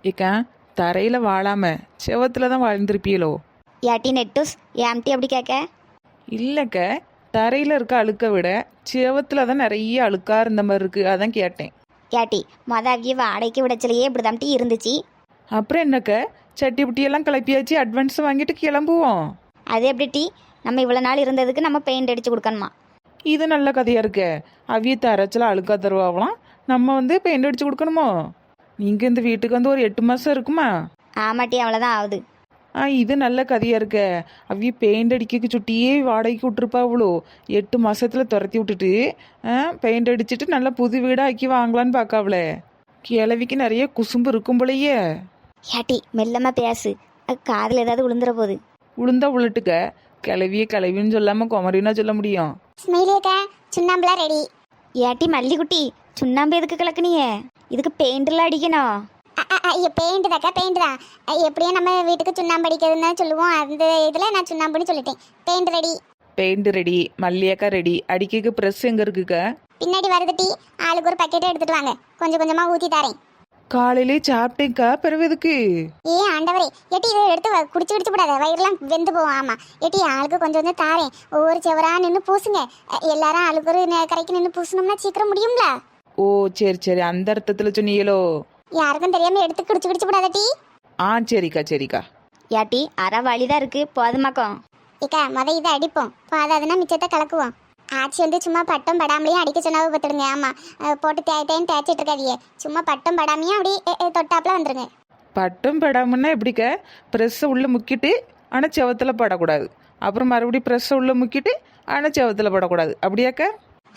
ஏக்கா தரையில் வாழாம செவத்துல தான் வாழ்ந்துருப்பீங்களோ? ஏட்டி நெட்டூஸ் ஏம்டி அப்படி கேட்க? இல்லைக்க, தரையில் இருக்க அழுக்க விட செவத்துல தான் நிறைய அழுக்கா இருந்த மாதிரி இருக்கு, அதான் கேட்டேன். ஏட்டி அவிய வாடகைக்கு விடச்சிலையே இப்படி தாம்டி இருந்துச்சு. அப்புறம் என்னக்க, சட்டி புட்டியெல்லாம் கிளப்பியாச்சு, அட்வான்ஸ் வாங்கிட்டு கிளம்புவோம். அது எப்படி டீ? நம்ம இவ்வளோ நாள் இருந்ததுக்கு நம்ம பெயிண்ட் அடிச்சு கொடுக்கணுமா? இது நல்ல கதையா இருக்க. அவிய தரைச்சல அழுக்கா தருவாங்களாம், நம்ம வந்து பெயிண்ட் அடிச்சு கொடுக்கணுமோ? நீங்கள் இந்த வீட்டுக்கு வந்து ஒரு 8 மாதம் இருக்குமா? ஆமாட்டி, அவ்வளோதான் ஆகுது. இது நல்ல கதையா இருக்க. அவிய பெயிண்ட் அடிக்க சுட்டியே வாடகைக்கு விட்டுருப்பாவளோ, 8 மாசத்துல துரத்தி விட்டுட்டு பெயிண்ட் அடிச்சுட்டு நல்லா புது வீடாக ஆக்கி வாங்கலான்னு பார்க்காவளே. கிழவிக்கு நிறைய குசும்பு இருக்கும் போலயே. ஏட்டி மெல்லமா பேசு, காதில் ஏதாவது விழுந்துற போகுது. உளுந்தா உளுட்டுக்க, கிளவிய கிளவின்னு சொல்லாம குமரினா சொல்ல முடியும். ஸ்மைலியக்கா சுண்ணாம்புலாம் ரெடி. ஏட்டி மல்லிகுட்டி, சுண்ணாம்பு எதுக்கு கலக்குனியே? இதுக்கு பெயிண்டெல்லாம் அடிக்கணும். ஐயோ பெயிண்ட் தாக்கா, பெயிண்ட் தான். எப்படியும் நம்ம வீட்டுக்கு சுண்ணாம்பு அடிக்கிறதுன்னு தான் சொல்லுவோம். அந்த இதில் நான் சுண்ணாம்புன்னு சொல்லிட்டேன். Paint ready. பெயிண்ட் ரெடி, மல்லியாக்கா ரெடி. அடிக்க ப்ரெஸ் எங்க இருக்குக்க? பின்னாடி வருது டீ. ஆளுக்கு ஒரு பக்கெட்டை எடுத்துட்டு வாங்க, கொஞ்சம் கொஞ்சமாக ஊற்றி தரேன். காலையிலே சாப்பிட்டேக்கா, பிறகு எதுக்கு? ஆண்டவரே, எட்டி இதை எடுத்து குடிச்சு விடாத, வயிறுலாம் வெந்து போவோம். ஆமாம் எட்டி, ஆளுக்கு கொஞ்சம் கொஞ்சம் தாரேன். ஒவ்வொரு செவரா நின்று பூசுங்க. எல்லாரும் ஆளுக்கு ஒரு கரைக்கு நின்று பூசணும்னா சீக்கிரம் முடியும்ல? ஓ சரி சரி, அந்த அர்த்தத்தில் சொன்னீங்களோ? யாருக்கும் தெரியாம எடுத்து குடிச்சு விடாத டீ. சரிக்கா சரிக்கா. ஏட்டி அரை வழிதான் இருக்கு, போதுமாக்கம். ஏக்கா இதை அடிப்போம், போதாதுன்னா மிச்சத்தை கலக்குவோம். ஆச்சி வந்து சும்மா பட்டம் படாமலையும் அடிக்க சொன்னாவை பார்த்துடுங்க. ஆமாம், போட்டு தேய்த்தேன்னு தேய்ச்சிட்டு இருக்காதியே. சும்மா பட்டம் படாமையும் அப்படி தொட்டாப்புல வந்துருங்க. பட்டம் படாமன்னா எப்படிக்க? ப்ரெஸ்ஸை உள்ளே முக்கிட்டு ஆனால் செவத்தில் படக்கூடாது, அப்புறம் மறுபடியும் ப்ரெஸ்ஸை உள்ளே முக்கிட்டு ஆனால் செவத்தில் படக்கூடாது, அப்படியாக்க?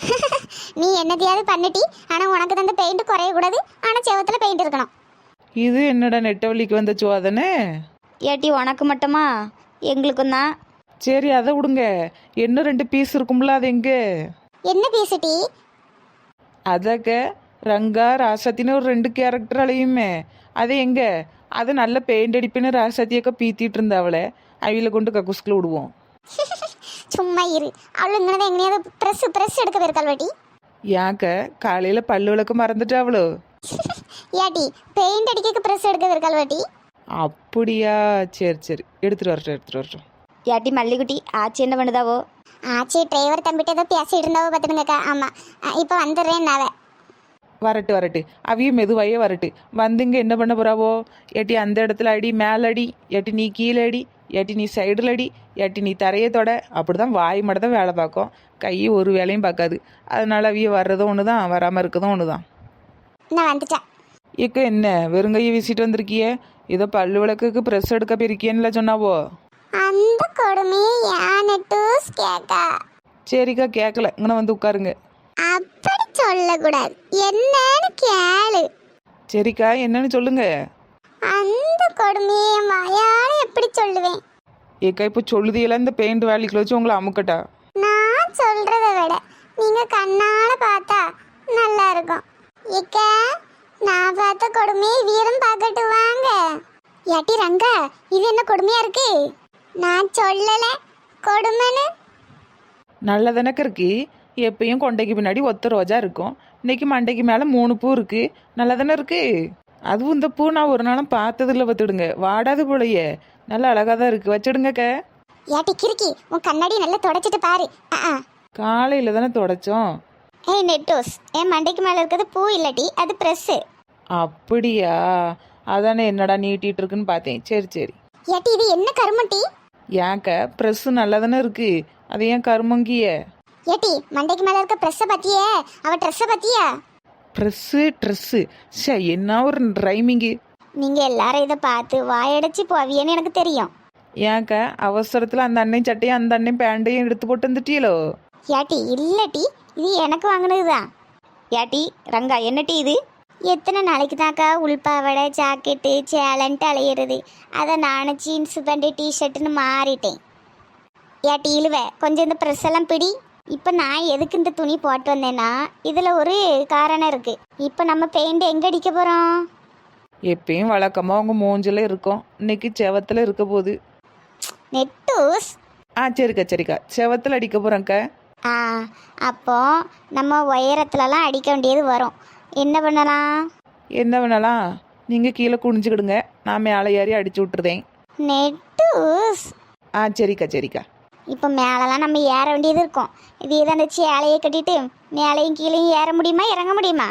நீ என்னதையாவது பண்ணிட்டி, ஆனால் உனக்கு தந்த பெயிண்ட் குறையக்கூடாது, ஆனால் செவத்தில் பெயிண்ட் இருக்கணும். இது என்னடா நெட்டவழிக்கு வந்த சோதனை? ஏட்டி உனக்கு மட்டுமா? எங்களுக்கும் தான். சரி அதை விடுங்க, இன்னும் 2 பீஸ் இருக்கும்ல, அது எங்க? என்ன பீசுட்டி? அதக்க ரங்கா ராசாத்தின்னு ஒரு 2 கேரக்டர் அழையுமே, அது எங்க? அது நல்ல பெயிண்ட் அடிப்புன்னு ராசாத்தியக்க பீத்திட்டு இருந்தாவளே, அவில கொண்டு கக்குஸ்குள்ள விடுவோம். சும்மா இரு. அவளு இங்கே எங்கேயாவது ப்ரெஸ் எடுக்க போயிருக்காள் வாட்டி. ஏக்க காலையில் பல்லு விளக்க மறந்துட்டாவளோ? ஏட்டி பெயிண்ட் அடிக்க ப்ரெஸ் எடுக்க போயிருக்காள் வாட்டி. அப்படியா? சரி சரி, எடுத்துட்டு வரட்டும். ஏட்டி மல்லிகுட்டி, ஆச்சி என்ன பண்ணுதாவோ? ஆச்சி டிரைவர் தம்பிட்டு ஏதோ பேசிட்டு இருந்தாவோ பார்த்துடுங்கக்கா. ஆமாம், இப்போ வந்துடுறேன் நாவ. வரட்டு அவிய மெதுவாயே வரட்டு. வந்துங்க என்ன பண்ண போறாவோ? ஏட்டி அந்த இடத்துல அடி, மேல அடி, ஏட்டி நீ கீழே அடி, ஏட்டி நீ சைடில் அடி, ஏட்டி நீ தரையை தொட. அப்படிதான் வாய் மட்டும் தான் வேலை பார்க்கும், கை ஒரு வேலையும் பார்க்காது. அதனால அவிய வர்றதும் ஒன்று தான், வராமல் இருக்கதும் ஒன்று தான். நான் வந்துட்டேன். இக்க என்ன வெறுங்கையை வீசிட்டு வந்திருக்கியே? ஏதோ பல்லு விளக்குக்கு ப்ரெஸ் எடுக்க போயிருக்கியன்னுல சொன்னாவோ? அந்த கொடுமையை யானை டூஸ் கேக்கா. சரிக்கா, கேட்கல, இங்கே வந்து உட்காருங்க. அப்படி சொல்லக்கூடாது, என்னன்னு கேளு. சரிக்கா, என்னன்னு சொல்லுங்க. அந்த கொடுமையை வாயால எப்படி சொல்லுவேன்? ஏக்கா இப்போ சொல்லுதியெல்லாம் இந்த பெயிண்ட் வேலைக்கு வச்சு உங்களை அமுக்கட்டா? நான் சொல்றதை விட நீங்க கண்ணால பார்த்தா நல்லா இருக்கும். இக்க நான் பார்த்த கொடுமையை வீரம் பார்க்கட்டு வாங்க. ஏட்டி ரங்கா, இது என்ன கொடுமையா இருக்கு? நான் சொல்லல கொடுமைன்னு. நல்லதானக்க இருக்கு. எப்பயும் கொண்டைக்கு பின்னாடி ஒத்த ரோஜா இருக்கும், இன்னைக்கு மண்டைக்கு மேலே 3 பூ இருக்கு. நல்லதானே இருக்கு. அதுவும் இந்த பூ நான் ஒரு நாளும் பார்த்ததில்ல, பார்த்துடுங்க. வாடாது போலையே, நல்லா அழகாக தான் இருக்கு, வச்சிடுங்கக்க. ஏட்டி கிறுக்கி, உன் கண்ணாடி நல்லா தொடச்சிட்டு பாரு. காலையில் தானே தொடச்சோம். ஏய் நெட்டோஸ், என் மண்டைக்கு மேலே இருக்கிறது பூ இல்லட்டி, அது ப்ரெஸ்ஸு. அப்படியா? அதானே என்னடா நீட்டிட்டு இருக்குன்னு பார்த்தேன். சரி சரி. ஏட்டி இது என்ன கருமட்டி? ஏன்க்க ப்ரெஸ்ஸு நல்லா தானே இருக்கு, அது ஏன் கருமங்கிய? ஏட்டி மண்டைக்கு மேலே இருக்க ப்ரெஸ்ஸை பற்றியே, அவள் ட்ரெஸ்ஸை பற்றியா? ட்ரெஸ்ஸு சே, என்ன ஒரு ரைமிங்கு. நீங்கள் எல்லாரும் இதை பார்த்து வாயடைச்சி போவியன்னு எனக்கு தெரியும். ஏன்க்க அவசரத்தில் அந்த அண்ணன் சட்டையும் அந்த அண்ணன் பேண்டையும் எடுத்து போட்டு வந்துட்டீங்களோ? ஏட்டி இல்லட்டி, இது எனக்கு வாங்கினது தான். ஏட்டி ரங்கா, என்ன டீ இது? எத்தனை நாளைக்கு தாக்கா உள்பாவடை ஜாக்கெட்டு சேலன்ட்டு அலையிறது? அதை நானும் ஜீன்ஸ் பேண்ட்டு டிஷர்ட்டுன்னு மாறிட்டேன். ஏட்டி இழுவ, கொஞ்சம் இந்த ப்ரெஸ் எல்லாம் பிடி. இப்போ நான் எதுக்கு இந்த துணி போட்டு வந்தேன்னா, இதில் ஒரு காரணம் இருக்குது. இப்போ நம்ம பெயிண்ட் எங்கே அடிக்க போகிறோம்? எப்பயும் வழக்கமாக உங்கள் மூஞ்சில் இருக்கும், இன்னைக்கு செவத்தில் இருக்க போகுது. நெட்டூஸ். சரிக்கா, செவத்தில் அடிக்க போகிறேங்க்க. அப்போ நம்ம உயரத்துலலாம் அடிக்க வேண்டியது வரும். என்ன பண்ணலாம்? நீங்கள் கீழே குனிஞ்சுக்கிடுங்க, நான் மேலே ஏறி அடிச்சு விட்டுருதேன். நெட்டூஸ். ஆ சரிக்கா சரிக்கா. இப்போ மேலெல்லாம் நம்ம ஏற வேண்டியது இருக்கும். இதே தான் அந்த சேலையை கட்டிட்டு மேலையும் கீழையும் ஏற முடியுமா இறங்க முடியுமா?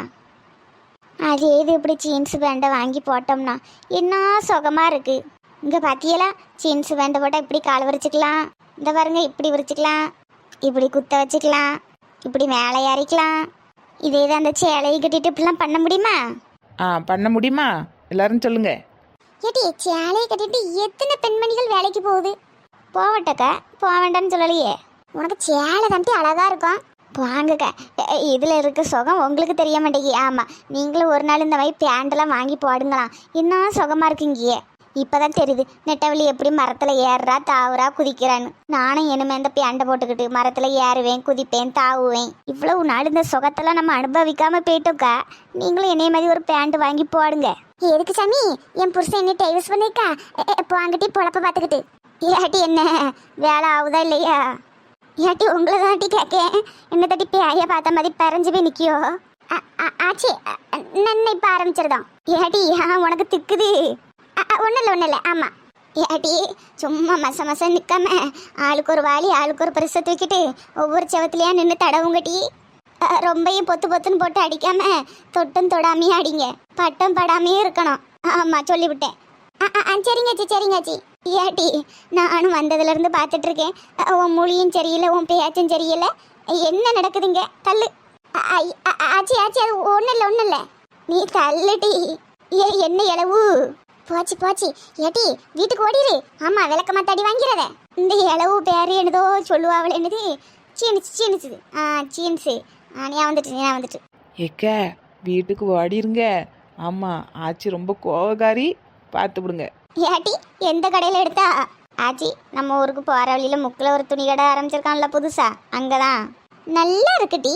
அதே இது இப்படி ஜீன்ஸ் பேண்டை வாங்கி போட்டோம்னா என்ன சுகமாக இருக்குது. இங்கே பார்த்தியலா, ஜீன்ஸ் பேண்டை போட்டால் இப்படி கால் விரிச்சிக்கலாம், இந்த பாருங்க இப்படி விரிச்சிக்கலாம், இப்படி குத்த வச்சுக்கலாம், இப்படி மேலே ஏறிக்கலாம். இதே தான் அந்த சேலையை கட்டிட்டு இப்படிலாம் பண்ண முடியுமா? பண்ண முடியுமா? எல்லாரும் சொல்லுங்க. ஏடி சேலையை கட்டிட்டு எத்தனை பெண்மணிகள் வேலைக்கு போகுது? போகட்டக்கா, போக வேண்டாம்னு சொல்லலையே. உனக்கு சேலை தம்பி அழகா இருக்கும், வாங்கக்கா. இதில் இருக்க சுகம் உங்களுக்கு தெரிய மாட்டேங்கி. ஆமாம், நீங்களும் ஒரு நாள் இந்த மாதிரி பேண்டெல்லாம் வாங்கி போடுங்களாம், இன்னும் சுகமாக இருக்குங்கியே. இப்போதான் தெரியுது நெட்டவழி எப்படி மரத்தில் ஏறுறா தாவுறா குதிக்கிறான்னு. நானும் இனிமே இந்த பேண்டை போட்டுக்கிட்டு மரத்தில் ஏறுவேன், குதிப்பேன், தாவுவேன். இவ்வளவு நாள் இந்த சுகத்தெல்லாம் நம்ம அனுபவிக்காமல் போயிட்டோக்கா. நீங்களும் என்னைய மாதிரி ஒரு பேண்ட் வாங்கி போடுங்க. எதுக்கு சாமி? என் புருஷன் என்ன டைவர்ஸ் பண்ணிருக்கா, வாங்கிட்டு பொழப்ப பார்த்துக்கிட்டு. ஏட்டி என்ன வேலை ஆகுதா இல்லையா? ஏட்டி உங்களை தாட்டி கேட்கேன், என்ன தட்டி பேய பார்த்த மாதிரி பறஞ்சு போய் நிற்கியோ? ஆச்சி நன்னை இப்போ ஆரம்பிச்சிருதான். ஏட்டி உனக்கு திக்குது? ஒன்றும் இல்லை. ஆமாம் ஏட்டி, சும்மா மசம் நிற்காம ஆளுக்கு ஒரு வாளி ஆளுக்கு ஒரு பரிசை தூக்கிட்டு ஒவ்வொரு செவத்துலையா நின்று தடவுங்கட்டி. ரொம்பையும் பொத்துன்னு போட்டு அடிக்காம தொட்டும் தொடாமையே அடிங்க, பட்டம் படாமையே இருக்கணும். ஆமாம் சொல்லிவிட்டேன். சரிங்காச்சி. ஏட்டி நானும் வந்ததுலேருந்து பார்த்துட்டு இருக்கேன், உன் மொழியும் சரியில்லை, உன் பேச்சும் சரியில்லை, என்ன நடக்குதுங்க? தள்ளு. ஆச்சி அது ஒன்றும் இல்லை, நீ தள்ளுட்டி. என்ன இளவு? போச்சு ஏட்டி வீட்டுக்கு ஓடிடு. ஆமாம் விளக்கமா தடி வாங்கிறத. இந்த இளவு பேர் என்னதோ சொல்லுவாள், என்னது சீனிச்சு. சீன்ஸு. நீ வந்துட்டு ஏக்க வீட்டுக்கு ஓடிருங்க. ஆமாம் ஆச்சி ரொம்ப கோவக்காரி, பார்த்து விடுங்க. ஏட்டி எந்த கடையில் எடுத்தா? ஆச்சி நம்ம ஊருக்கு போகிற வழியில் முக்கில் ஒரு துணி கடை ஆரம்பிச்சிருக்கான்ல புதுசா, அங்கே தான். நல்லா இருக்குடி.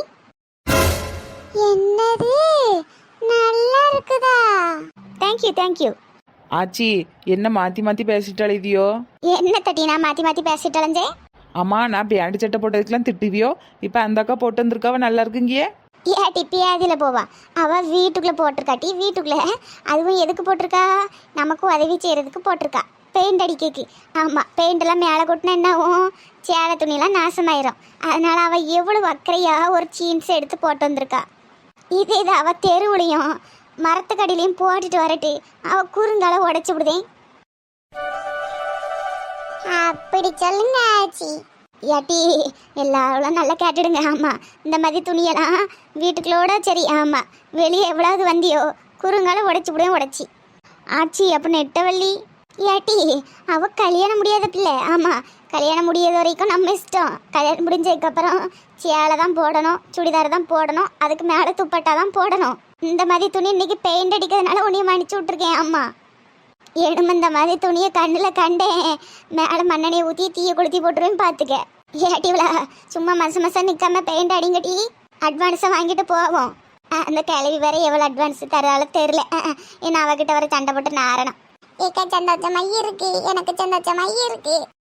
என்னது நல்லா இருக்குதா? தேங்க்யூ. ஆச்சி என்ன மாற்றி பேசிட்டாள் இதியோ? என்ன தட்டி நான் மாற்றி பேசிட்டேன். அம்மா நான் பேண்ட் சட்டை போட்டதுக்கெல்லாம் திட்டுவியோ, இப்போ அந்த அக்கா போட்டு வந்திருக்காவ நல்லா இருக்குங்கியே. ஏட்டி பேதியில் போவா, அவள் வீட்டுக்குள்ளே போட்டிருக்காட்டி. வீட்டுக்குள்ளே அதுவும் எதுக்கு போட்டிருக்கா? நமக்கு உதவி செய்கிறதுக்கு போட்டிருக்கா, பெயிண்ட் அடிக்கக்கு. ஆமாம், பெயிண்டெல்லாம் மேலே கொட்டினா என்ன ஆகும்? சேலை துணியெல்லாம் நாசமாயிரும். அதனால் அவள் எவ்வளோ அக்கறையாக ஒரு ஜீன்ஸ் எடுத்து போட்டு வந்திருக்கா. இதே இது அவள் தெருவுலையும் மரத்துக்கடியிலையும் போட்டுட்டு வரட்டு, அவள் குறுங்கால உடைச்சி விடுதேன். அப்படி சொல்லுங்க ஆச்சி. ஏட்டி எல்லாரும் நல்லா கேட்டுடுங்க. ஆமாம், இந்த மாதிரி துணியெல்லாம் வீட்டுக்குள்ளோட சரி. ஆமாம், வெளியே எவ்வளவு வந்தியோ குறுங்கால உடைச்சி. ஆச்சி அப்போ நெட்டவள்ளி. ஏட்டி அவள் கல்யாணம் முடியாத பிள்ளை. ஆமாம், கல்யாணம் முடியாத வரைக்கும் நம்ம இஷ்டம். கல்யாணம் முடிஞ்சதுக்கப்புறம் சேலை தான் போடணும், சுடிதார் தான் போடணும், அதுக்கு மேலே துப்பட்டா தான் போடணும். இந்த மாதிரி துணி இன்னைக்கு பெயிண்ட் அடிக்கிறதுனால உன்னையும் மன்னிச்சு விட்ருக்கேன். அம்மா எடும இந்த மாதிரி துணியை கண்ணில் கண்டேன், மேலே மண்ணெண்ணையை ஊற்றி தீயை கொளுத்தி போட்டுருவேன் பார்த்துக்க. ஏட்டிவில சும்மா மசம் நிற்காம பெயிண்ட் அடிங்கட்டி, அட்வான்ஸை வாங்கிட்டு போவோம். அந்த கிளவி வேற எவ்வளோ அட்வான்ஸ் தரால தெரில. ஏன்னா அவகிட்ட வர சண்டை போட்டு நாரணும். ஏக்கா சந்தோஷமாக இருக்கு, எனக்கு சந்தோஷமாக இருக்கு.